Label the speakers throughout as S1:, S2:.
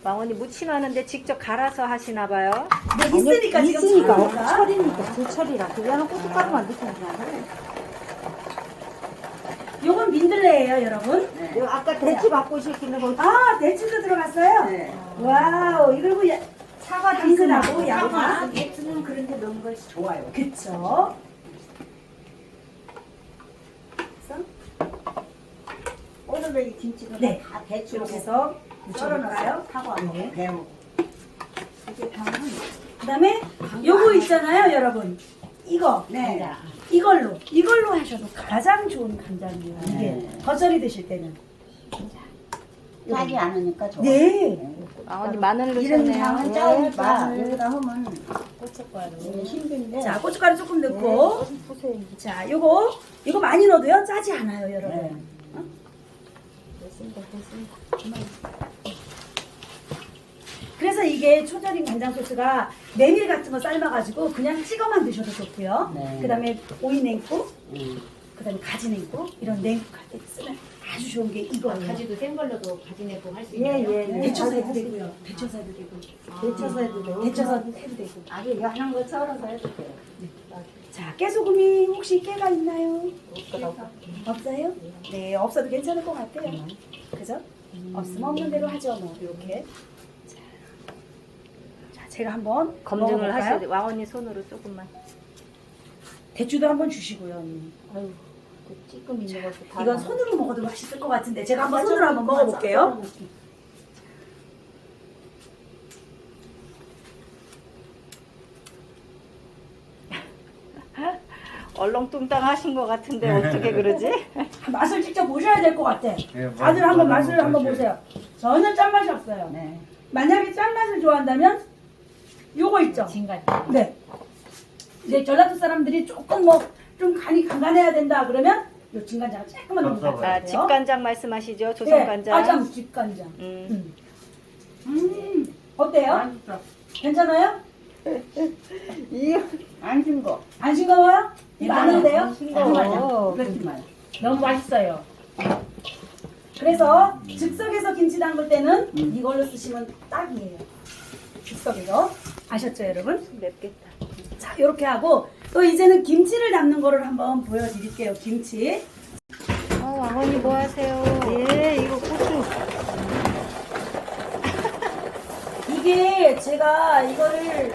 S1: 망원이 무침하는데 직접 갈아서 하시나 봐요.
S2: 네, 있으니까 지금
S3: 있으니까
S2: 철이니까.
S3: 철이니까 제철이라 그냥 고춧가루만 넣으면 돼.
S2: 요건 민들레예요, 여러분.
S3: 이거 아까 대추 갖고 오셨기는 거
S2: 아, 대추도 들어갔어요?
S4: 네.
S2: 와우, 이거 뭐
S3: 사과
S2: 당근하고 양파.
S4: 대추는 그런데 넣은 것이 좋아요.
S2: 그쵸.
S4: 오늘의 김치도
S2: 네.
S4: 다 대추로
S2: 이렇게 해서
S4: 썰어놓을까요?
S2: 썰어놓을까요?
S4: 사과하고
S2: 네.
S4: 배우. 이게 당은
S2: 그 다음에 요거 있잖아요, 여러분. 이거.
S4: 네.
S2: 이걸로 하셔도 가장 좋은 간장이에요. 이게
S4: 네.
S2: 겉절이 드실 때는.
S4: 짜지 않으니까 좋아.
S2: 네.
S1: 망원이 마늘
S4: 이런
S1: 넣으셨네요.
S4: 향은
S2: 네,
S4: 짜니까
S2: 마늘.
S4: 여기다 하면
S2: 고춧가루.
S4: 힘든데.
S2: 자, 고춧가루 조금 넣고. 자, 요거 많이 넣어도요, 짜지 않아요, 여러분.
S4: 네.
S2: 그래서 이게 초절임 간장 소스가 메밀 같은 거 삶아가지고 그냥 찍어만 드셔도 좋고요.
S4: 네.
S2: 그 다음에 오이 냉국,
S4: 음.
S2: 그 다음에 가지 냉국, 이런 냉국 할 때 쓰면 아주 좋은 게 이거예요.
S5: 가지도 생걸로도 가지 내고 할 수
S3: 예,
S5: 있나요?
S3: 예, 예.
S2: 데쳐서 해도 되고요. 데쳐서 해도 되고.
S3: 데쳐서 해도 되고.
S2: 데쳐서 해도 되고.
S4: 아주 이거 하는 거 썰어서 해도 돼요.
S2: 자, 깨소금이 혹시 깨가 있나요? 없어요? 네, 없어도 괜찮을 것 같아요. 그죠? 없으면 없는 대로 하죠, 뭐. 이렇게. 자, 제가 한번
S1: 검증을
S2: 먹어볼까요?
S1: 하셔야 돼. 망원이 손으로 조금만.
S2: 대추도 한번 주시고요. 언니.
S1: 아유, 그 찌끔 있는 것도 다.
S2: 이건 손으로 먹어도 맛있을 것 같은데 제가 한번 손으로 한번 먹어볼게요.
S1: 얼렁뚱땅 하신 것 같은데 어떻게 그러지?
S2: 맛을 직접 보셔야 될 것 같아.
S6: 예,
S2: 다들 한번
S6: 맛
S2: 맛을 한번
S6: 보세요.
S2: 보세요. 전혀 짠맛이 없어요.
S4: 네.
S2: 만약에 짠맛을 좋아한다면 요거 있죠?
S5: 진간.
S2: 네. 이제 전라도 사람들이 조금 뭐 좀 간이 간간해야 된다 그러면 요 진간장을 조금만 넣으면 될것
S1: 자,
S2: 같아요.
S1: 집간장 말씀하시죠?
S2: 네,
S1: 조선간장.
S2: 아참 집간장.
S1: 음.
S2: 어때요? 괜찮아요?
S4: 안 신 거.
S2: 안 싱거워요? 많은데요?
S1: 싱거워.
S4: 그렇지만.
S5: 너무 맛있어요.
S2: 그래서 즉석에서 김치 담글 때는 이걸로 쓰시면 딱이에요. 즉석에서. 아셨죠, 여러분?
S1: 맵겠다.
S2: 자, 이렇게 하고 또 이제는 김치를 담는 거를 한번 보여드릴게요. 김치.
S1: 망원이 뭐 하세요?
S3: 예, 이거 고추.
S2: 이게 제가 이거를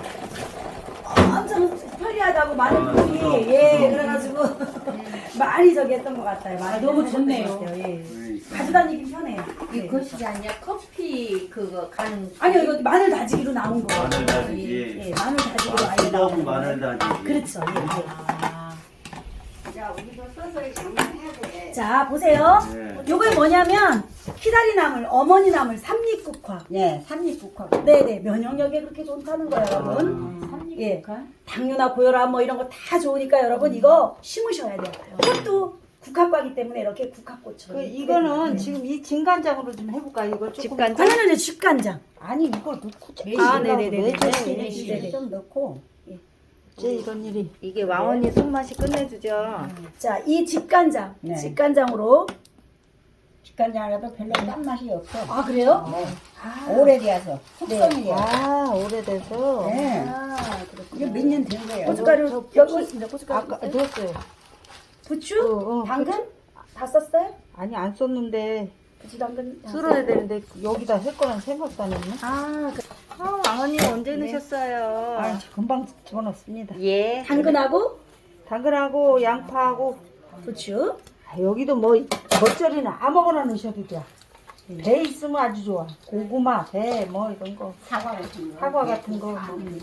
S2: 엄청 편리하다고 많은 분이 그래가지고 많이 저기 했던 것 같아요. 많이
S5: 너무
S2: 하셨던
S5: 좋네요.
S2: 것 같아요. 예.
S6: 그러니까.
S2: 가져다니기 편해요.
S5: 이
S2: 네.
S5: 것이 아니라 커피 그거 간.
S2: 아니요, 이거 마늘 다지기로 나온 거예요.
S6: 마늘 다지기.
S2: 예, 마늘 다지기로 아예
S6: 뜨거운
S2: 나온
S6: 마늘
S2: 거예요.
S6: 다지기.
S2: 그렇죠. 예,
S5: 아.
S4: 자, 우리도 서서히 장만해야 돼.
S2: 예. 자, 보세요.
S6: 네.
S2: 요게 뭐냐면 키다리 나물, 어머니 나물, 삼립국화.
S4: 네, 삼립국화.
S2: 네네, 면역력에 그렇게 좋다는 거예요, 여러분. 예, 당뇨나 고혈압 뭐 이런 거 다 좋으니까 여러분 이거 심으셔야 돼요. 꽃도 국화과기 때문에 이렇게 국화꽃처럼.
S3: 그 이거는 지금 이 진간장으로 좀 해볼까? 이거 조금.
S1: 집간장?
S2: 아니요, 집간장.
S3: 아니 이거 넣고
S2: 아, 네네네네.
S3: 매실
S4: 좀 넣고.
S3: 제 이런 일이.
S1: 이게 망원이 손맛이 끝내주죠.
S2: 자, 이 집간장,
S4: 네.
S2: 집간장으로.
S4: 직간장이라도 별로 짠 맛이 없어.
S2: 아, 그래요?
S4: 네.
S2: 아,
S4: 오래돼서 숙성이 돼요.
S3: 아 오래돼서.
S4: 네.
S2: 아,
S4: 이게
S2: 그렇구나.
S4: 몇 년 된 거예요.
S2: 고춧가루 여기 있습니다. 고춧가루.
S3: 아까 넣었어요.
S2: 부추, 당근 다 썼어요?
S3: 아니 안 썼는데
S2: 부추, 당근. 다
S3: 쓸어야
S2: 썼어요?
S3: 되는데 여기다 할 거란 생각도 안 했네.
S2: 아,
S1: 망원이 언제 넣으셨어요?
S3: 아 금방 집어넣습니다.
S1: 예.
S2: 당근하고
S3: 당근하고 양파하고
S2: 부추.
S3: 아, 여기도 뭐 겉절이는 아무거나 넣으셔도 돼. 배 있으면 아주 좋아. 고구마, 배 뭐 이런 거,
S4: 사과 같은 거.
S3: 사과 같은 거,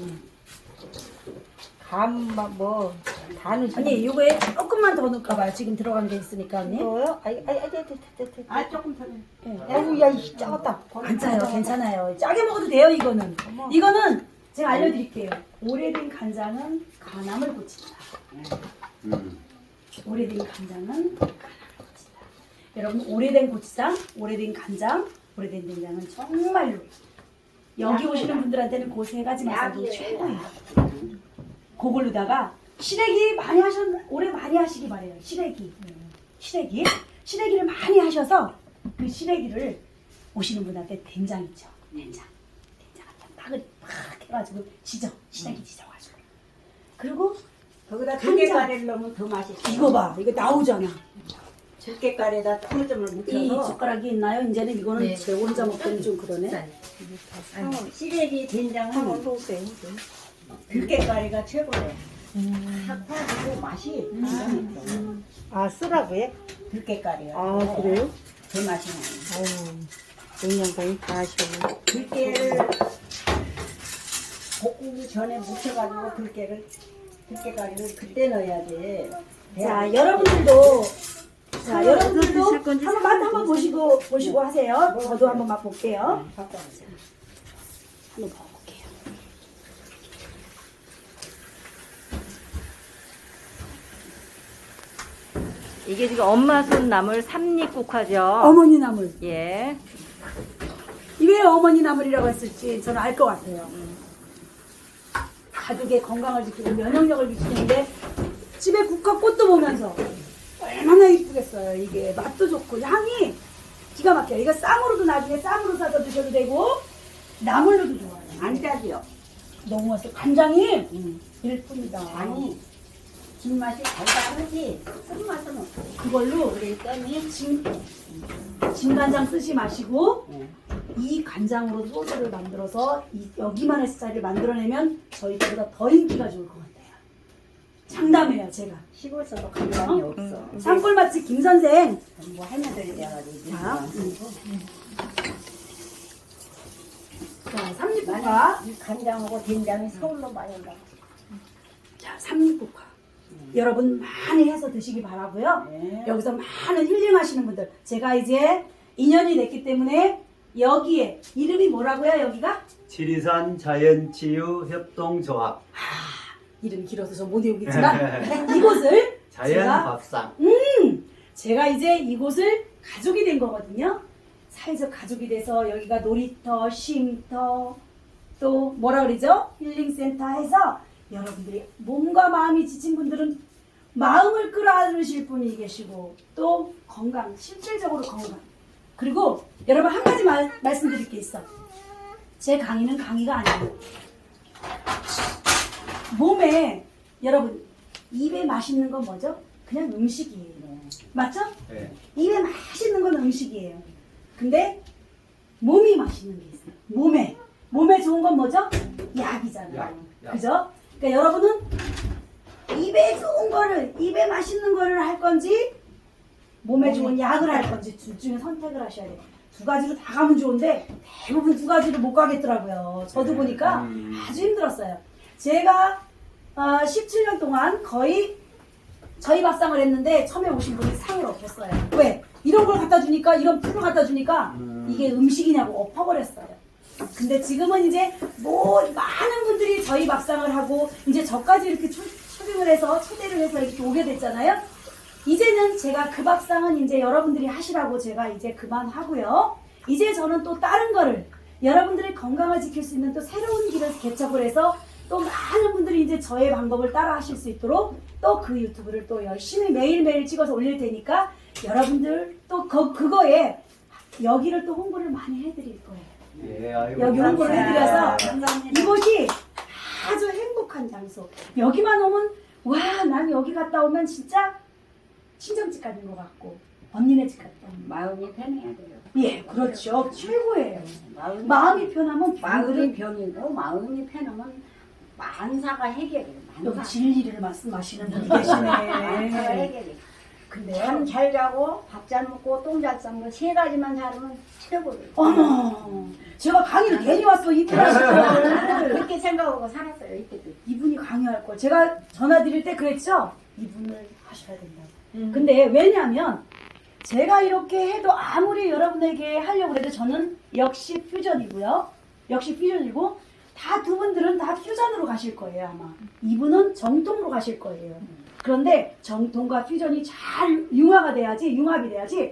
S3: 감뭐다 넣으시면.
S2: 아니, 요거에 조금만 더 넣을까 봐요. 지금 들어간 게 있으니까, 언니.
S3: 넣어요?
S4: 아, 조금 더.
S3: 아이고 야, 이 작았다.
S2: 안 짜요. 괜찮아요. 짜게 먹어도 돼요, 이거는. 이거는 제가 알려드릴게요. 오래된 간장은 간암을 고친다. 오래된 간장은 간암을 고친다. 여러분, 오래된 고추장, 오래된 간장, 오래된 된장은 정말로 여기 오시는 분들한테는 그 세 가지 맛이 최고예요. 그걸로다가 시래기 많이 오래 많이 하시기 바래요. 시래기를 많이 하셔서 그 시래기를 오시는 분한테 된장 있죠. 된장 갖다 막 해가지고 시작이 지져가지고 그리고
S4: 거기다 들깨가래를 넣으면 더 맛있어.
S2: 이거 봐 이거 나오잖아.
S4: 들깨가래에다 통점을
S2: 이
S4: 묻혀서
S2: 젓가락이 있나요? 이제는 이거는
S5: 네.
S2: 제 혼자 먹기는 좀 그러네.
S4: 시래기 된장은 들깨가래가 최고래. 탁 퍼지고 맛이 기가 막혀.
S3: 아 쓰라고요?
S4: 들깨가래가.
S3: 아 그래요?
S4: 그 맛이 나요.
S3: 아유 영양가이 다 하시네.
S4: 들깨를 볶기 전에 묻혀가지고 들깨가래를 그때 넣어야 돼.
S2: 자 여러분들도 한번 맛 한번 보시고 하세요. 저도 한번 맛 볼게요. 한번 먹어볼게요.
S1: 이게 지금 엄마 손 나물 삼립국화죠.
S2: 어머니 나물.
S1: 예.
S2: 왜 어머니 나물이라고 했을지 저는 알 것 같아요. 가족의 건강을 지키고 면역력을 지키는데 집에 국화꽃도 보면서 얼마나 이쁘겠어요. 이게 맛도 좋고 향이 기가 막혀요. 이거 쌈으로도 나중에 쌈으로 싸서 드셔도 되고 나물로도 좋아요.
S4: 안 짜지요?
S2: 너무 맛있어. 간장이 일뿐이다.
S4: 아니 진맛이 달달하지 쓴맛은 없어.
S2: 그걸로
S4: 그랬더니
S2: 진간장 쓰지 마시고
S4: 네.
S2: 이 간장으로 소스를 만들어서 여기만의 스타일을 만들어내면 저희 때보다 더 인기가 좋을 것 같아요. 장담해요 제가.
S4: 시골서도 간장이 없어.
S2: 산골맛집 김선생.
S4: 뭐 할머니들이 돼가지고.
S2: 자, 자 삼립국화.
S4: 이 간장하고 된장이 서울로 많이 온다.
S2: 자 삼립국화. 여러분 많이 해서 드시기 바라고요.
S4: 네.
S2: 여기서 많은 힐링하시는 분들. 제가 이제 2년이 됐기 때문에 여기에 이름이 뭐라고요 여기가?
S6: 지리산 자연치유협동조합
S2: 이름이 길어서 저 못 외우겠지만 이곳을
S6: 자연밥상.
S2: 제가 이제 이곳을 가족이 된 거거든요. 사회적 가족이 돼서 여기가 놀이터, 쉼터, 또 뭐라 그러죠? 힐링센터 해서 여러분들이 몸과 마음이 지친 분들은 마음을 끌어안으실 분이 계시고 또 건강, 실질적으로 건강. 그리고 여러분 한 가지 말씀드릴 게 있어. 제 강의는 강의가 아니에요. 몸에 여러분 입에 맛있는 건 뭐죠? 그냥 음식이에요. 맞죠?
S6: 네.
S2: 입에 맛있는 건 음식이에요. 근데 몸이 맛있는 게 있어요. 몸에 좋은 건 뭐죠? 약이잖아요.
S6: 약.
S2: 그죠? 그러니까 여러분은 입에 좋은 거를 입에 맛있는 거를 할 건지 몸에 좋은 약을 할 건지 둘 중에 선택을 하셔야 돼요. 두 가지로 다 가면 좋은데 대부분 두 가지로 못 가겠더라고요. 저도 보니까 아주 힘들었어요. 제가 17년 동안 거의 저희 밥상을 했는데 처음에 오신 분이 상을 얻었어요. 왜? 이런 걸 갖다 주니까 이런 풀을 갖다 주니까 이게 음식이냐고 엎어버렸어요. 근데 지금은 이제 많은 분들이 저희 밥상을 하고 이제 저까지 이렇게 초빙을 해서 초대를 해서 이렇게 오게 됐잖아요. 이제는 제가 그 밥상은 이제 여러분들이 하시라고 제가 이제 그만하고요. 이제 저는 또 다른 거를 여러분들의 건강을 지킬 수 있는 또 새로운 길을 개척을 해서 또 많은 분들이 이제 저의 방법을 따라 하실 수 있도록 또 그 유튜브를 또 열심히 매일매일 찍어서 올릴 테니까 여러분들 또 그거에 여기를 또 홍보를 많이 해드릴 거예요.
S6: 예, 아이고,
S2: 여기 홍보를
S6: 감사합니다.
S2: 해드려서 이곳이 아주 행복한 장소. 여기만 오면 와, 난 여기 갔다 오면 진짜 친정집 가는 것 같고 언니네 집 갔다 오면
S4: 마음이 편해야 돼요.
S2: 예, 그렇죠. 최고예요.
S4: 마음이
S2: 편하면
S4: 마음이 병이고 마음이 편하면 만사가 해결해요.
S2: 여기 진리를 말씀하시는 분이
S4: 만사가
S2: 계시네.
S4: 해결해.
S2: 근데요.
S4: 잠 잘 자고 밥 잘 먹고 똥 잘 싸는 거 세 가지만 잘하면 최고예요.
S2: 어머, 제가 강의를 괜히 왔어. 이분 하시고
S4: 그렇게 생각하고 살았어요 이때도.
S2: 이분이 강의할 걸. 제가 전화 드릴 때 그랬죠. 이분을 하셔야 된다고. 근데 왜냐하면 제가 이렇게 해도 아무리 여러분에게 하려고 해도 저는 역시 퓨전이고요. 역시 퓨전이고 다 두 분들은 다 퓨전으로 가실 거예요 아마. 이분은 정통으로 가실 거예요. 그런데 정통과 퓨전이 잘 융합이 돼야지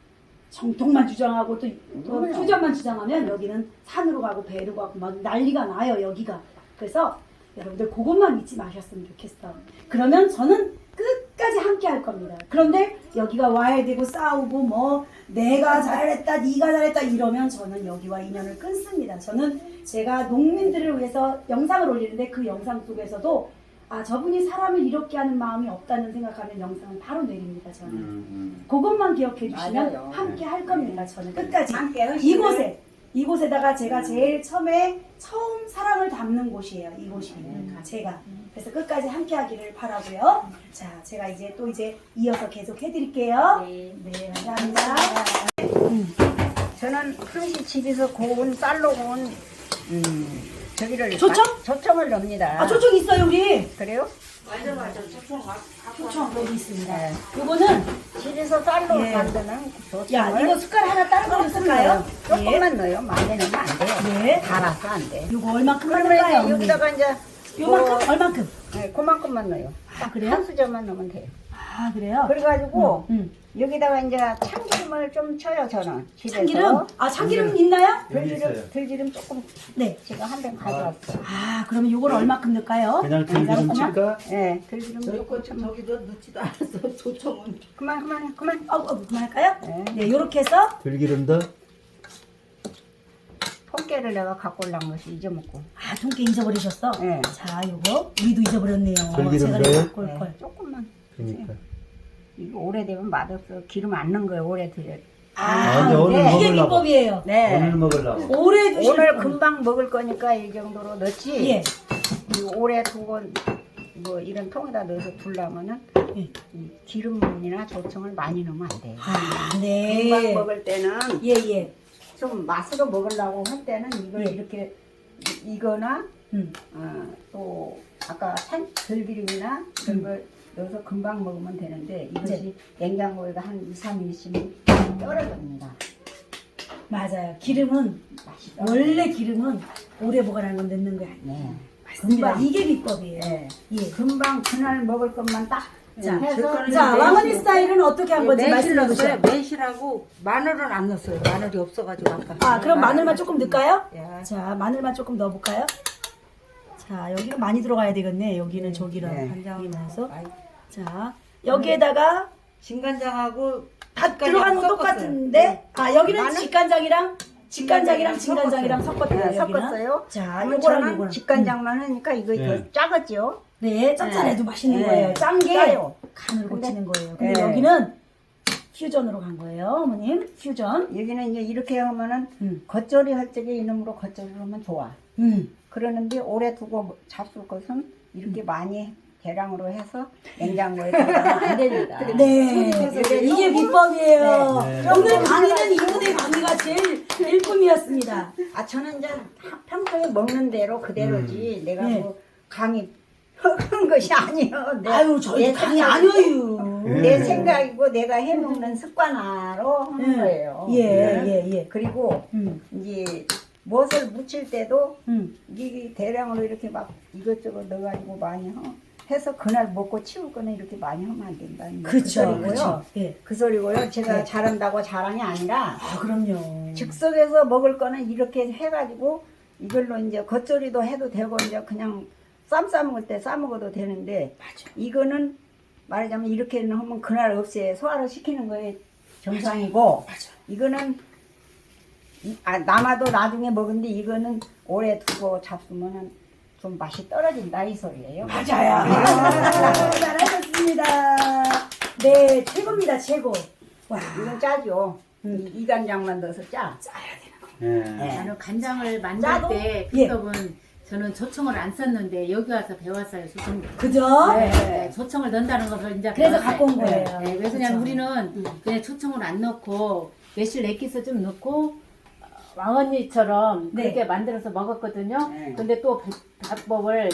S2: 정통만 주장하고 또 퓨전만 주장하면 여기는 산으로 가고 배로 가고 막 난리가 나요 여기가. 그래서 여러분들 그것만 잊지 마셨으면 좋겠어. 그러면 저는 끝까지 함께 함께 할 겁니다. 그런데 여기가 와야 되고 싸우고 뭐 내가 잘했다 네가 잘했다 이러면 저는 여기와 인연을 끊습니다. 저는 제가 농민들을 위해서 영상을 올리는데 그 영상 속에서도 아 저분이 사람을 이렇게 하는 마음이 없다는 생각하면 영상은 바로 내립니다. 저는 그것만 기억해 주시면
S4: 맞아요.
S2: 함께 할 겁니다. 저는 끝까지
S4: 함께
S2: 이곳에다가 제가 제일 처음 사랑을 담는 곳이에요. 이곳이 제가 그래서 끝까지 함께 하기를 바라고요. 자, 제가 이제 이어서 계속 해드릴게요. 네, 감사합니다.
S4: 저는 항시 집에서 고운 쌀로 고운 저기를
S2: 조청?
S4: 조청을 넣습니다.
S2: 아, 조청 있어요, 우리.
S4: 그래요?
S2: 조청 여기 있습니다.
S4: 네.
S2: 요거는
S4: 집에서 쌀로
S2: 예.
S4: 만드는 조청을
S2: 야, 이거 숟갈 하나 다른 걸로 쓸까요?
S4: 조금만 넣어요. 많이 넣으면 안 돼요.
S2: 예.
S4: 달아서 안 돼.
S2: 요거 얼마큼
S4: 그러면
S2: 넣을까요?
S4: 이제 여기다가 이제
S2: 요만큼? 얼만큼?
S4: 네, 그만큼만 넣어요.
S2: 아, 그래요?
S4: 한 수저만 넣으면 돼요.
S2: 아, 그래요?
S4: 그래가지고
S2: 여기다가
S4: 이제 참기름을 좀 쳐요. 저는 집에서.
S2: 참기름? 아, 참기름 있나요?
S6: 여기 있어요.
S4: 들기름 조금
S2: 네.
S4: 제가 한 병 가져왔어요.
S2: 아, 그러면 요걸 얼마큼 넣을까요?
S6: 그냥 들기름 칠까?
S4: 네, 들기름 조금 좀
S3: 저기도 넣지도 않았어. 조청은.
S4: 그만.
S2: 그만할까요?
S4: 네.
S2: 네, 요렇게 해서
S6: 들기름도
S4: 통깨를 내가 갖고 올라온 것이 잊어먹고.
S2: 아, 통깨 잊어버리셨어?
S4: 네.
S2: 자, 요거 우리도 잊어버렸네요.
S6: 들기름
S2: 제가
S6: 넣어요?
S2: 갖고 올 걸.
S4: 조금만.
S6: 그러니까.
S4: 이거 오래되면 맛없어. 기름 안 넣은 거예요. 오래돼요.
S6: 아니, 오늘
S2: 이게
S6: 먹으려고.
S2: 비법이에요.
S4: 네.
S6: 오늘 먹으려고.
S2: 오래 두실
S4: 오늘
S2: 분.
S4: 금방 먹을 거니까 이 정도로 넣지.
S2: 예.
S4: 이 오래 두고 뭐 이런 통에다 넣어서 둘라면은
S2: 예.
S4: 이 기름이나 조청을 많이 넣으면 안 돼요.
S2: 아,
S4: 금방
S2: 네.
S4: 먹을 때는
S2: 예.
S4: 좀 맛으로 먹으려고 할 때는 이걸
S2: 예.
S4: 이렇게 이거나
S2: 음.
S4: 또 아까 들기름이나 그런 걸 넣어서 금방 먹으면 되는데 이것이 냉장고에다 한 2, 3일 있으면 떨어집니다.
S2: 맞아요. 기름은
S4: 맛이
S2: 원래 기름은 오래 보관하는 건 넣는 거야.
S4: 네.
S2: 금방 이게 비법이에요.
S4: 네.
S2: 예.
S4: 금방 그날 먹을 것만 딱
S2: 자,
S4: 해서
S2: 자, 왕언니 스타일은 어떻게 한 건지
S3: 매실
S2: 말씀해
S3: 넣었어요.
S2: 주세요.
S3: 매실하고 마늘은 안 넣었어요. 마늘이 없어가지고 아까.
S2: 아, 그럼 마늘만 조금 넣을까요?
S3: 야.
S2: 자, 마늘만 조금 넣어볼까요? 자, 여기는 많이 들어가야 되겠네. 여기는 저기랑
S4: 네.
S2: 간장이면서.
S3: 아이,
S2: 자, 여기에다가
S3: 진간장하고
S2: 다 들어가는 건 똑같은데, 아, 여기는 직간장이랑 진간장이랑 섞었대요.
S4: 네,
S2: 여기는.
S4: 섞었어요.
S2: 자,
S4: 그러면
S2: 요거랑
S4: 저는
S2: 요거랑.
S4: 직간장만 하니까 이거
S6: 네.
S4: 더 짜겠죠.
S2: 네, 짭짤해도 맛있는
S4: 네.
S2: 거예요. 짠 게
S4: 짜요.
S2: 간을
S4: 근데-
S2: 고치는 거예요. 근데
S4: 네.
S2: 여기는 퓨전으로 간 거예요, 어머님. 퓨전.
S4: 여기는 이제 이렇게 하면은
S2: 음.
S4: 겉절이 할 적에 이놈으로 겉절이를 하면 좋아. 그러는데 오래 두고 잡술 것은 이렇게 많이 대량으로 해서 냉장고에 넣으면 안 됩니다.
S2: 네, 이게 비법이에요.
S6: 네.
S2: 오늘 강의는 이분의 강의가 제일 일품이었습니다.
S4: 아 저는 이제 평소에 먹는 대로 그대로지 내가
S2: 네.
S4: 뭐 강의 한 것이 아니에요.
S2: 아유, 저희
S4: 내
S2: 강의
S4: 생각이-
S2: 아니에요.
S4: 내 생각이고 내가 해먹는 습관화로 하는 거예요.
S2: 예.
S4: 그리고 이제 무엇을 무칠 때도 이게 대량으로 이렇게 막 이것저것 넣어가지고 많이 해서 그날 먹고 치울 거는 이렇게 많이 하면 안 된다.
S2: 그쵸,
S4: 소리고요.
S2: 그쵸. 예.
S4: 그 소리고요. 제가 잘한다고 자랑이 아니라
S2: 아, 그럼요.
S4: 즉석에서 먹을 거는 이렇게 해가지고 이걸로 이제 겉절이도 해도 되고 이제 그냥 쌈 싸먹을 때 싸먹어도 되는데 이거는 말하자면 이렇게 하면 그날 없애 소화를 시키는 거에 정상이고 이거는 남아도 나중에 먹은데 이거는 오래 두고 잡수면은 좀 맛이 떨어진다 이 소리예요.
S2: 맞아요. 잘하셨습니다. 네, 최고입니다, 최고. 와,
S4: 이건 짜죠. 이 간장만 넣어서 짜.
S6: 예.
S5: 나는 간장을 만들
S2: 짜도?
S5: 때
S2: 예.
S5: 비법은 저는 조청을 안 썼는데 여기 와서 배웠어요. 조청.
S2: 그죠?
S5: 네, 조청을 넣는다는 것을 이제
S2: 그래서
S5: 배웠어요.
S2: 갖고 온 거예요.
S5: 네, 그래서 그냥
S2: 그쵸.
S5: 우리는 그냥 조청을 안 넣고 매실 액기스 좀 넣고 왕언니처럼
S2: 네.
S5: 그렇게 만들어서 먹었거든요.
S4: 네.
S5: 근데 또 방법을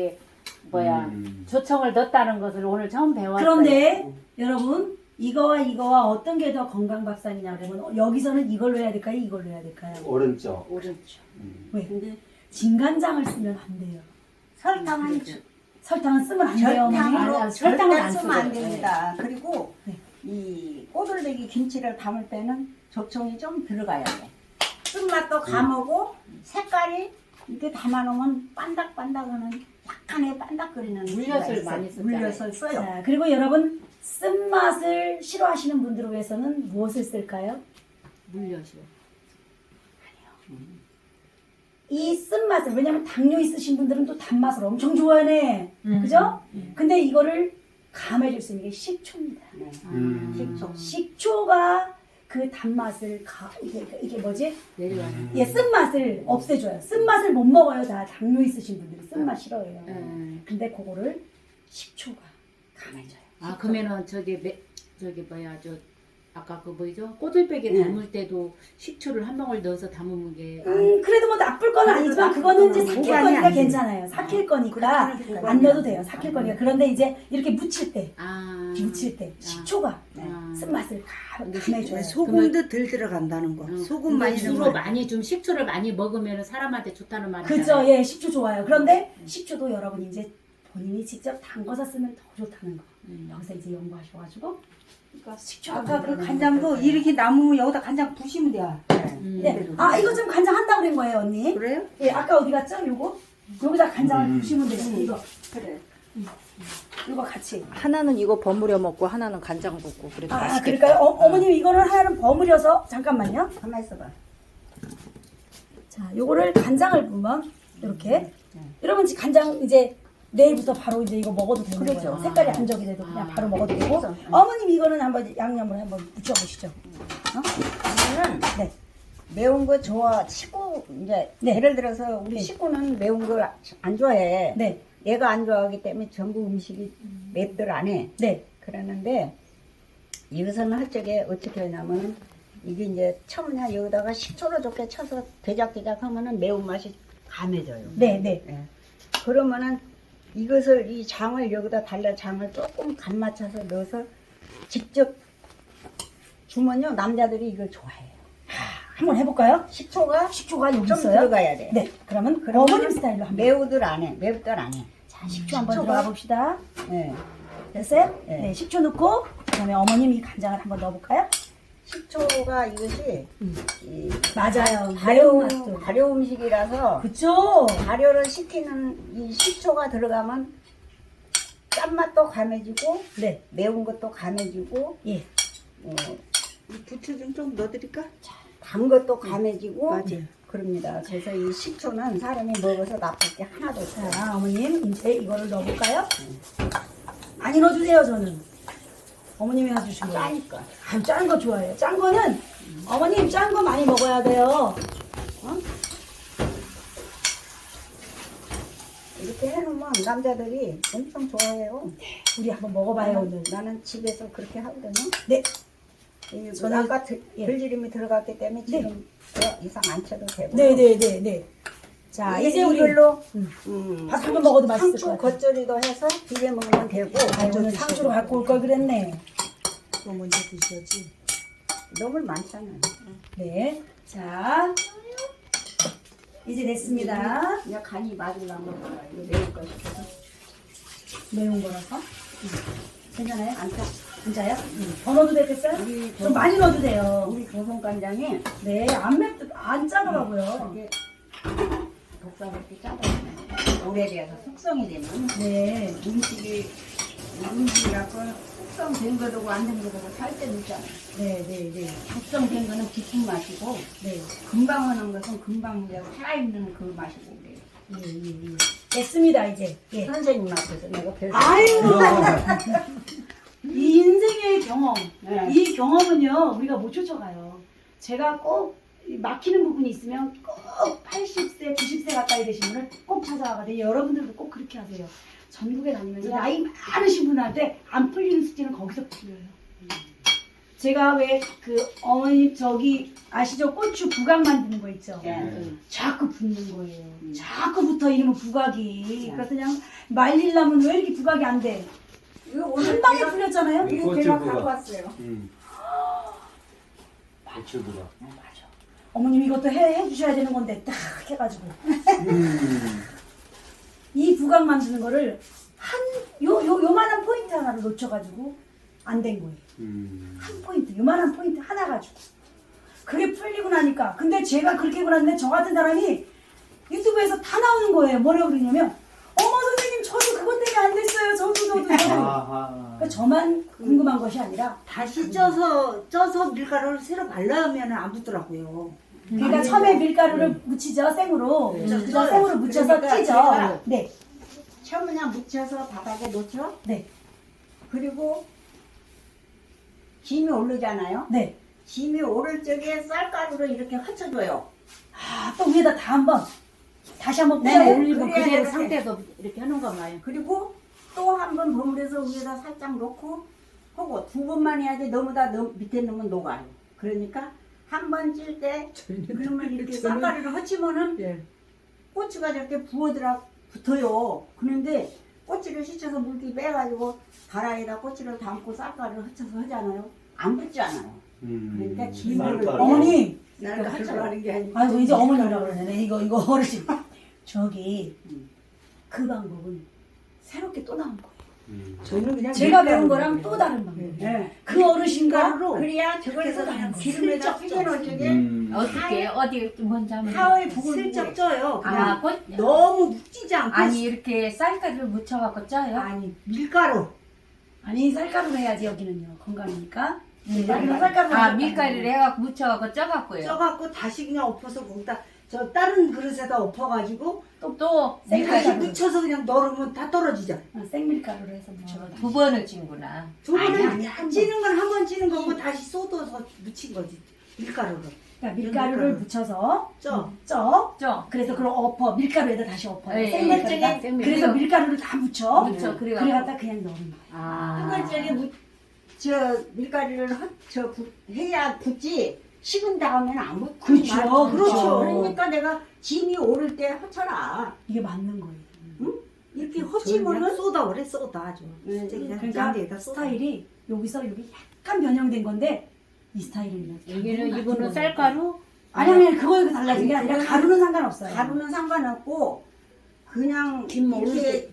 S5: 조청을 넣었다는 것을 오늘 처음 배웠어요.
S2: 그런데 여러분 이거와 어떤 게 더 건강밥상이냐 그러면 여기서는 이걸로 해야 될까요? 이걸로 해야 될까요?
S6: 오른쪽.
S5: 오른쪽.
S2: 왜? 근데 진간장을 쓰면 안 돼요.
S4: 설탕은
S2: 쓰면 안 돼요. 어머니.
S4: 설탕으로
S5: 설탕은 안
S4: 쓰면 안
S5: 쓰거든요.
S4: 됩니다. 그리고
S2: 네.
S4: 이 꼬들배기 김치를 담을 때는 조청이 좀 들어가야 돼. 쓴맛도 감하고 색깔이 이렇게 담아놓으면 반닥반닥하는 약간의 반닥거리는
S5: 물엿을
S4: 수가 있어요.
S5: 많이 쓰잖아요.
S4: 물엿을 써요.
S2: 자, 그리고 여러분 쓴맛을 싫어하시는 분들을 위해서는 무엇을 쓸까요?
S5: 물엿이요.
S2: 이 쓴맛을, 왜냐면 당뇨 있으신 분들은 또 단맛을 엄청 좋아하네. 그죠? 근데 이거를 감해줄 수 있는 게 식초입니다. 식초가 그 단맛을 이게 뭐지?
S5: 내려가는.
S2: 예, 쓴맛을 없애줘요. 쓴맛을 못 먹어요. 다 당뇨 있으신 분들이 쓴맛 싫어해요. 근데 그거를 식초가 감해줘요.
S5: 아 그러면은 저기 뭐야 저 아까 그 뭐죠? 꼬들빼기 담을 때도 식초를 한 방울 넣어서 담으면 게
S2: 그래도 뭐 나쁠 건 아니지만 그거는 이제 삭힐
S3: 보관이
S2: 거니까
S3: 안 돼.
S2: 괜찮아요. 삭힐 거니까
S3: 그렇게
S2: 안 넣어도 돼요. 삭힐 거니까. 그런데 이제 이렇게 묻힐 때 식초가 쓴맛을 감해줘요.
S3: 소금도 덜 들어간다는 거. 소금 많이
S5: 주로
S3: 넣으면
S5: 많이 좀 식초를 많이 먹으면 사람한테 좋다는 말이
S2: 그죠? 예, 식초 좋아요. 그런데 식초도 여러분이 이제 본인이 직접 담궈서 쓰면 더 좋다는 거. 여기서 이제 연구하셔가지고 식초가
S3: 아까 그 간장도 이렇게 남으면 여기다 간장 부시면 돼요.
S2: 네. 아, 이거 지금 간장 한다고 그런 거예요, 언니?
S3: 그래요?
S2: 예, 아까 어디 갔죠? 요거? 여기다 간장을 부시면 돼요. 이거.
S3: 그래.
S2: 이거 같이.
S1: 하나는 이거 버무려 먹고 하나는 간장 붓고 그래도
S2: 아,
S1: 맛있겠다.
S2: 그러니까요? 어머님 이거는 하나는 버무려서 잠깐만요.
S4: 가만 있어봐.
S2: 자, 요거를 간장을 부으면 이렇게. 여러분 지금 간장 이제 내일부터 바로 이제 이거 먹어도 되는 거예요. 색깔이 안 적이 돼도 그냥 바로 먹어도 되고. 어머님 이거는 한번 양념을 한번 묻혀보시죠.
S4: 이거는
S2: 네.
S4: 매운 거 좋아. 식구 이제
S2: 네.
S4: 예를 들어서 우리 식구는 매운 거 안 좋아해.
S2: 네.
S4: 얘가 안 좋아하기 때문에 전부 음식이 맵들 안 해.
S2: 네.
S4: 그러는데 이것은 할 적에 어떻게 하냐면은 이게 이제 처음에 여기다가 식초를 좋게 쳐서 대작대작 하면은 매운맛이 감해져요.
S2: 네. 네.
S4: 예. 그러면은 이것을 이 장을 여기다 달라 장을 조금 간 맞춰서 넣어서 직접 주면요 남자들이 이걸 좋아해요.
S2: 한번 해볼까요?
S4: 식초가
S2: 식초가 여기
S4: 좀
S2: 있어요.
S4: 들어가야 돼.
S2: 네. 그러면
S4: 그러면은
S2: 어머님 스타일로 한번.
S4: 매우들 안 해. 맵들 안 해.
S2: 자, 식초 한번
S4: 식초가-
S2: 들어가 봅시다.
S4: 예.
S2: 됐어요?
S4: 네.
S2: 네. 식초 넣고 그다음에 어머님 이 간장을 한번 넣어볼까요?
S4: 식초가 이것이 이
S2: 맞아요.
S4: 발효
S2: 매운맛도.
S4: 발효 음식이라서
S2: 그쵸?
S4: 발효를 시키는 이 식초가 들어가면 짠맛도 감해지고
S2: 네.
S4: 매운 것도 감해지고
S2: 예.
S3: 부추 좀 넣어드릴까?
S4: 단 것도 감해지고
S3: 맞아요.
S4: 그럽니다. 그래서 이 식초는 사람이 먹어서 나쁠 게 하나도 없어요.
S2: 자, 어머님 이제 이거를 넣어볼까요? 많이 넣어주세요, 저는. 어머님이 해주신 거예요.
S4: 짜니까.
S2: 아유, 짠 거 좋아해요. 짠 거는 어머님 짠 거 많이 먹어야 돼요.
S4: 이렇게 해놓으면 남자들이 엄청 좋아해요.
S2: 우리 한번 먹어봐요, 오늘.
S4: 나는 집에서 그렇게 하거든요.
S2: 네.
S4: 저는
S2: 저는-
S4: 아까
S2: 예.
S4: 들기름이 들어갔기 때문에
S2: 네.
S4: 지금 더 이상 안 쳐도 되고.
S2: 네네네네. 자, 이제 우리
S4: 이걸로
S2: 밥 한번 먹어도 맛있을
S4: 상추
S2: 것 같아요.
S4: 겉절이도 해서 비벼 먹으면 되고.
S2: 아, 오늘 상주로 갖고 올 걸 그랬네.
S3: 그거 먼저 드셔야지.
S4: 너무 많잖아요.
S2: 네. 자, 이제 됐습니다.
S4: 그냥 간이 맞으려면 이거 매울 거 싶어서.
S2: 매운 거라서. 괜찮아요?
S4: 안 짜.
S2: 진짜요? 더 넣어도 되겠어요?
S4: 우리
S2: 좀 많이 넣어도 돼요.
S4: 우리 조선간장에
S2: 네, 안 짜더라고요.
S4: 이게 독사롭게 짜다. 오래돼서 숙성이 되면
S2: 네.
S4: 음식이라고 숙성된 거도 안 된 거도 살 때는 있잖아요.
S2: 네.
S4: 숙성된 거는 깊은 맛이고
S2: 네.
S4: 금방 하는 것은 금방 이제 살아있는 그 맛이고 그래요.
S2: 됐습니다, 이제. 예.
S4: 선생님 앞에서 내가 별로
S2: 아유! 이 인생의 경험,
S4: 네.
S2: 이 경험은요, 우리가 못 쫓아가요. 제가 꼭 막히는 부분이 있으면 꼭 80세, 90세 가까이 되신 분을 꼭 찾아가거든요. 여러분들도 꼭 그렇게 하세요. 전국에 다니면서 나이 많으신 분한테 안 풀리는 숙제는 거기서 풀려요. 제가 왜 그 어머니 저기 아시죠? 고추 부각 만드는 거 있죠? 자꾸 붓는 거예요. 자꾸 붙어 이러면 부각이. 그래서 그냥 말리려면 왜 이렇게 부각이 안 돼? 한 방에 풀렸잖아요?
S6: 네.
S4: 이거 제가 갖고 왔어요.
S6: 고추부가.
S2: 어머님 이것도 해주셔야 되는 건데 딱 해가지고 이 부각 만드는 거를 요만한 포인트 하나를 놓쳐가지고 안 된 거예요. 한 포인트, 요만한 포인트 하나 가지고 그게 풀리고 나니까. 근데 제가 그렇게 해고 났는데 저 같은 사람이 유튜브에서 다 나오는 거예요. 뭐라고 그러냐면 어머 선생님 저도 그것 때문에 안 됐어요. 저도 쪄도 돼요.
S6: 아하.
S2: 그러니까 저만 궁금한 것이 아니라
S3: 다시 쪄서 밀가루를 새로 발라면 안 붙더라고요.
S2: 그러니까 처음에 밀가루를 묻히죠 생으로. 그다음
S3: 쪄요.
S2: 생으로 묻혀서
S4: 그러니까
S2: 찌죠.
S4: 제가
S2: 네,
S4: 처음 그냥 묻혀서 바닥에 놓죠.
S2: 네,
S4: 그리고 김이 오르잖아요.
S2: 네.
S4: 김이 오를 적에 쌀가루를 이렇게 흩어줘요.
S2: 아, 또 위에다 다 한번 다시 한번
S4: 네,
S2: 뿌려요.
S5: 올리고
S4: 그래야
S5: 그대로
S4: 이렇게.
S5: 상태에서 이렇게 하는가 봐요.
S4: 그리고 또 한 번 버무려서 위에다 살짝 놓고 하고 두 번만 해야지 너무 다 밑에 넣으면 녹아요. 그러니까 한 번 찔 때 그러면 이렇게 쌀가루를 흩치면은
S3: 예.
S4: 꼬치가 저렇게 붙어요. 그런데 꼬치를 씻어서 물기 빼가지고 가라에다 꼬치를 담고 쌀가루를 흩쳐서 하잖아요. 안 붙지 않아요. 그러니까 김을
S6: 쌀가루.
S2: 어머님,
S4: 나를 흩쳐가는 게 아니고.
S2: 아이고 이제 어머님이라고 그러네. 이거 어르신. 저기 그 방법은 새롭게 또 나온 거예요.
S3: 저는 그냥
S2: 제가 배운
S3: 밀가루
S2: 거랑
S3: 그래요.
S2: 또 다른 방법.
S4: 네.
S2: 그 어르신과
S4: 그래야 저거에서 그냥 기름에다 튀겨놓을 적에
S5: 어떻게 어디 먼저 하면
S4: 하을
S3: 슬쩍 쪄요. 그냥
S5: 아, 꽃?
S3: 너무 묵지지 않고.
S5: 아니 이렇게 쌀가루를 묻혀갖고 쪄요?
S3: 아니, 밀가루.
S2: 아니 쌀가루로 해야지 여기는요 건강이니까. 여기는 쌀가루.
S5: 아 밀가루를 해갖고 묻혀갖고 쪄갖고요.
S3: 쪄갖고 다시 그냥 엎어서 거기다 저 다른 그릇에다 엎어가지고
S5: 또
S3: 다시
S2: 밀가루.
S3: 묻혀서 그냥 넣으면 다 떨어지죠.
S2: 생밀가루로 해서 묻혀서.
S5: 두 번을 찐구나.
S3: 두 번은
S5: 아니,
S3: 찌는 건 한 번 찌는 거고 다시 쏟아서 묻힌 거지. 밀가루로.
S2: 그러니까 밀가루를
S3: 밀가루.
S2: 묻혀서
S3: 쪄.
S2: 쪄. 그래서 그걸 엎어 밀가루에다 다시 엎어요.
S5: 네,
S2: 생밀가루가.
S5: 생밀.
S2: 그래서 밀가루를 다 묻혀.
S5: 묻혀, 그래갖고.
S2: 그래 갖다 그냥 넣는 거야.
S5: 아.
S4: 한글적에 저 밀가루를 해야 붙지 식은 다음에는 안 붙고
S2: 그렇죠,
S3: 그렇죠.
S4: 그러니까 내가 짐이 오를 때 흩쳐라.
S2: 이게 맞는 거예요.
S3: 이렇게
S4: 저는
S3: 헛치면은
S4: 그냥
S3: 쏟아 그래 쏟아 아주.
S4: 네,
S3: 그냥
S2: 그러니까
S3: 양에다 쏟아.
S2: 스타일이 여기서 여기 약간 변형된 건데 이 스타일은
S5: 여기는 이거는 쌀가루.
S2: 아니 그거에 달라진 게 아니라 가루는 상관없어요.
S4: 가루는 상관없고 그냥
S3: 김
S4: 이렇게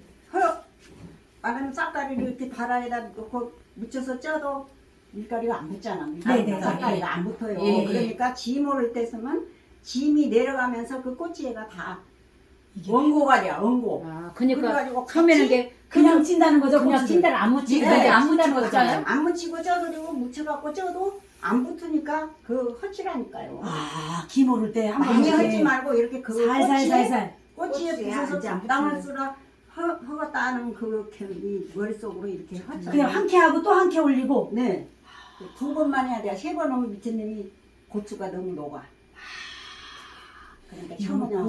S4: 말하면 쌀가루를 이렇게 바라에다 놓고 묻혀서 쪄도 밀가루가 안 붙잖아.
S2: 네네.
S4: 쌀가루가 안 붙어요.
S5: 예, 예.
S4: 그러니까 짐 오를 때 쓰면 짐이 내려가면서 그 꼬치에가 다
S2: 이게
S4: 원고가 돼요. 원고.
S5: 아, 그러니까
S4: 그래가지고
S5: 처음에는
S4: 같이
S5: 이게
S2: 그냥 찐다는 거죠.
S5: 그냥
S2: 고추를.
S5: 찐다를 안 묻히고
S4: 네,
S5: 이제 안 묻히는
S4: 묻히고
S5: 거잖아요.
S4: 안 묻히고 쪄도 묻혀갖고 쪄도 안 붙으니까 그 헛치라니까요.
S2: 아, 김 오를 때 한번
S4: 많이
S2: 이렇게
S4: 헛지 말고 이렇게 그 꼬치에
S2: 살살살살.
S4: 꼬치에
S3: 꼬치에
S4: 부서서
S3: 이제 안
S4: 땅을
S3: 붙이는.
S4: 쓰라 허갔다는 그 머릿속으로 이렇게 헛치.
S2: 그냥 한 개 하고 또 한 개 올리고.
S4: 네. 두 번만 해야 돼. 세 번 하면 밑에 놈이 고추가 너무 녹아. 그러니까 처음에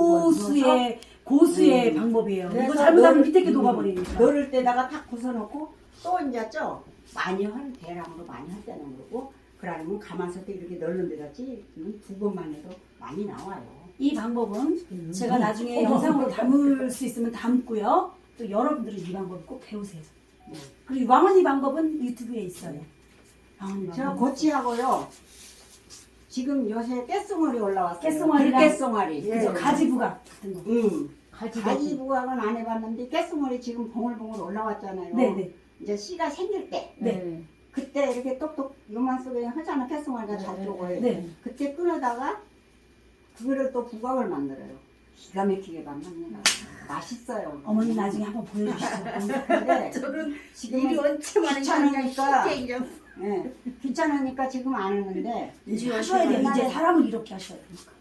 S2: 고수의 방법이에요. 이거
S4: 그래서
S2: 잘못하면
S4: 넣을-
S2: 밑에 게 녹아버리니까.
S4: 넣을 때다가 탁 부숴놓고 또 이제 쪄. 많이 할 대량으로 많이 할 때는 그러고 그러면 가만있을 때 이렇게 널른 데다 찌면 두 번만 해도 많이 나와요.
S2: 이 방법은 제가 나중에 영상으로 담을 수 있으면 담고요. 또 여러분들은 이 방법 꼭 배우세요. 그리고 왕언니 방법은 유튜브에 있어요. 왕언니
S4: 저
S2: 방법.
S4: 고치하고요. 지금 요새 깨송아리 올라왔어요.
S2: 깨송아리랑-
S4: 들깨송아리.
S2: 그죠? 가지부각 같은 거.
S4: 가지 부각은 안 해봤는데 깨송아리 지금 봉글봉글 올라왔잖아요.
S2: 네네.
S4: 이제 씨가 생길 때
S2: 네.
S4: 그때 이렇게 똑똑 요만 속에 하잖아. 깨송아리가 잘 쪽을.
S2: 네.
S4: 그때 끊어다가 그거를 또 부각을 만들어요. 기가 막히게 만듭니다. 맛있어요.
S2: 어머니 나중에 한번 보여주시죠.
S4: 근데
S3: 저는
S4: 지금
S3: 일이 언제 많은
S4: 귀찮으니까
S3: 쉽게 그냥.
S4: 예, 귀찮으니까 지금 안 하는데
S2: 이제 하셔야 돼요. 이제 사람을 이렇게 하셔야 되니까.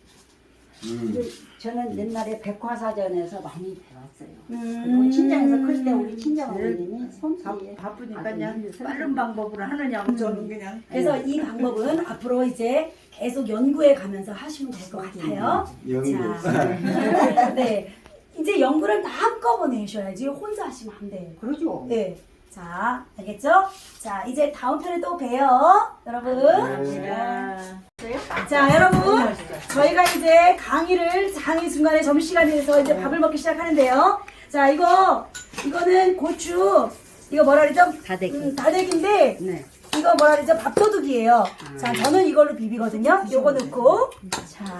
S4: 저는 옛날에 백화사전에서 많이 배웠어요.
S2: 음.
S4: 그리고 친정에서 클 때 우리 친정 어머님이 솜씨에
S3: 바쁘니까
S4: 아주
S3: 그냥 빠른 방법으로 하느냐고 저는 그냥.
S2: 그래서 이 방법은 앞으로 이제 계속 연구해 가면서 하시면 될 것 같아요.
S6: 연구.
S2: 자, 네. 이제 연구를 다 한꺼번에 하셔야지 혼자 하시면 안 돼요.
S4: 그러죠.
S2: 네. 자, 알겠죠? 자, 이제 다음 편에 또 봬요. 여러분. 자, 여러분. 저희가 이제 강의 중간에 점심시간에서 이제 밥을 먹기 시작하는데요. 자, 이거는 고추, 이거 뭐라 그러죠?
S5: 다대기.
S2: 다대기인데,
S4: 네.
S2: 이거 뭐라 그러죠? 밥도둑이에요. 자, 저는 이걸로 비비거든요. 요거 넣고. 자.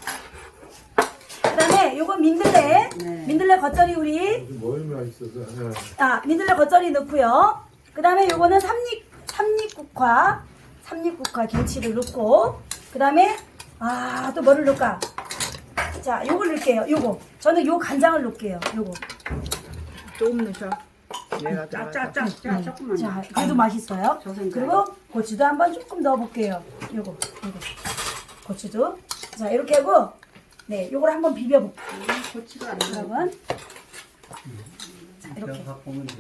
S2: 그 다음에 요거 민들레.
S4: 네.
S2: 민들레 겉절이 우리.
S7: 뭘 맛있어서 하나.
S2: 아, 민들레 겉절이 넣고요. 그 다음에 요거는 삼립국화 김치를 넣고, 그 다음에, 또 뭐를 넣을까? 자, 요걸 넣을게요. 요거. 저는 요 간장을 넣을게요. 요거.
S3: 조금 넣으셔.
S4: 짜 조금만.
S2: 자, 그래도 맛있어요. 그리고 고추도 한번 조금 넣어볼게요. 요거. 고추도. 자, 이렇게 하고, 네, 요걸 한번 비벼볼게요.
S4: 고추가 안
S2: 여러분. 자, 이렇게.
S6: 이렇게 갖고 오면 돼.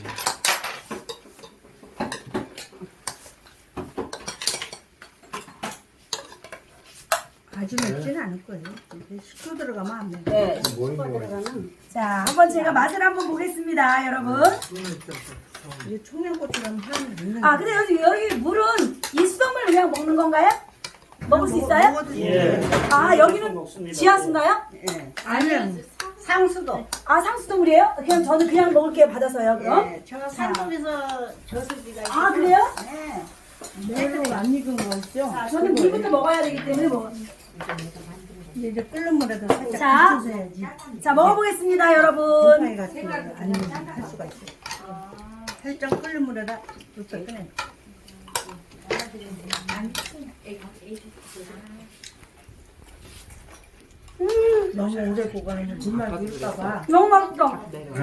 S3: 아주 맵지는 않을 거예요. 근데 식초 들어가면 안 맵.
S4: 네,
S6: 뭘
S4: 슈퍼
S6: 먹어요?
S4: 들어가는.
S2: 자, 한번 제가 맛을 한번 보겠습니다, 여러분.
S3: 이게 청양고추랑 향이 있는
S2: 아, 근데 여기 물은 이 수돗물 그냥 먹는 건가요? 먹을 수 있어요? 아, 여기는 지하수인가요?
S4: 예.
S3: 아니면
S4: 상수도.
S2: 아, 상수도물이에요? 그냥 저는 그냥 먹을게요. 받아서요, 그럼.
S4: 예, 저 산동에서 저수지가 있어요.
S2: 아, 그래요?
S4: 네.
S3: 매로 안 익은 거 있죠?
S2: 자, 저는 물부터 먹어야 되기 때문에 뭐.
S3: 이제 끓는 물에도 살짝
S2: 자.
S3: 비춰줘야지.
S2: 자, 먹어보겠습니다, 여러분.
S3: 곰팡이 같은 거 안 익은 할 수가 있어. 살짝 끓는 물에다 이렇게 꺼내. 너무 오래 보관하면 물만 비울까봐.
S2: 너무 맛있어.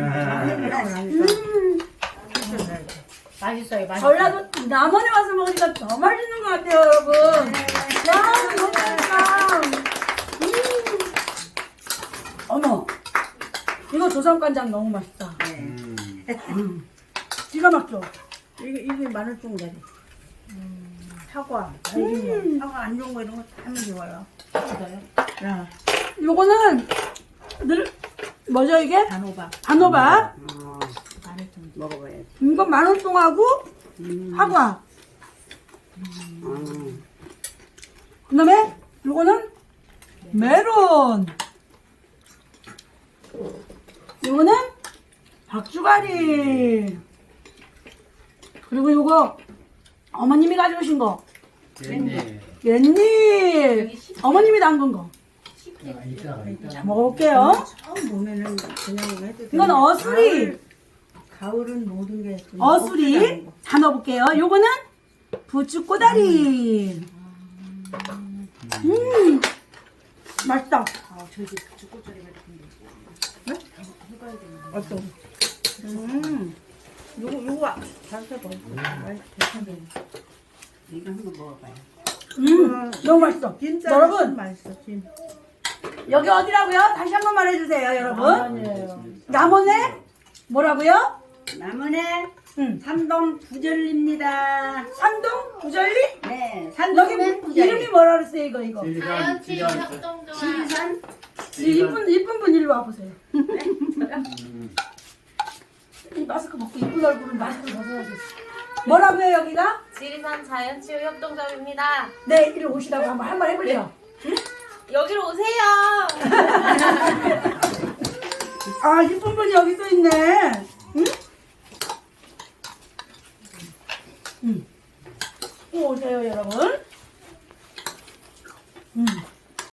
S5: 맛있어요. 맛있어요.
S2: 전라도 남원에 와서 먹으니까 더 맛있는 것 같아요, 여러분. 야, 너무 맛있다. 어머, 이거 조선간장 너무 맛있다. 기가 막혀.
S3: 이게 마늘종다리. 사과, 날리면 사과 안 좋은 거 이런 거 다 하면 좋아요. 야,
S2: 요거는 뭐죠 이게?
S3: 단호박.
S2: 단호박.
S4: 먹어봐야지.
S2: 이건 마늘송하고 사과. 그다음에 요거는 메론. 요거는 박주가리. 그리고 요거 어머님이 가져오신 거.
S6: 네.
S2: 깻잎. 어머님이 담근 거. 자, 먹어볼게요.
S3: 처음 보면은 그냥 해도 돼.
S2: 이건 어수리.
S3: 가을은 모든 게 좀
S2: 어수리. 다 넣어볼게요. 요거는 부추꼬다리. 맛있다.
S3: 어떤? 요거 잘 해봐. 괜찮네.
S4: 이거 한번 먹어봐요.
S2: 너무 맛있어.
S3: 진짜
S2: 여러분,
S3: 맛있어. 진.
S2: 여기 어디라고요? 다시 한 번 말해주세요, 여러분.
S3: 아니에요.
S2: 남원에 뭐라고요?
S4: 남원의
S2: 응.
S4: 삼동 부절리입니다.
S2: 산동 부절리?
S4: 네,
S2: 여기
S4: 산동은 부절리.
S2: 이름이 뭐라 그랬어요, 이거?
S6: 지리산
S4: 지리산
S2: 이쁜 분 일로 와보세요. 이 마스크 벗고 이쁜 얼굴은 마스크 벗어야지. 뭐라고요, 여기가?
S7: 지리산 자연치유협동점입니다.
S2: 네, 이리 오시라고 한번 해볼래요.
S7: 여기로 오세요.
S2: 아, 이쁜 분이 여기 또 있네. 응? 응. 오세요, 여러분.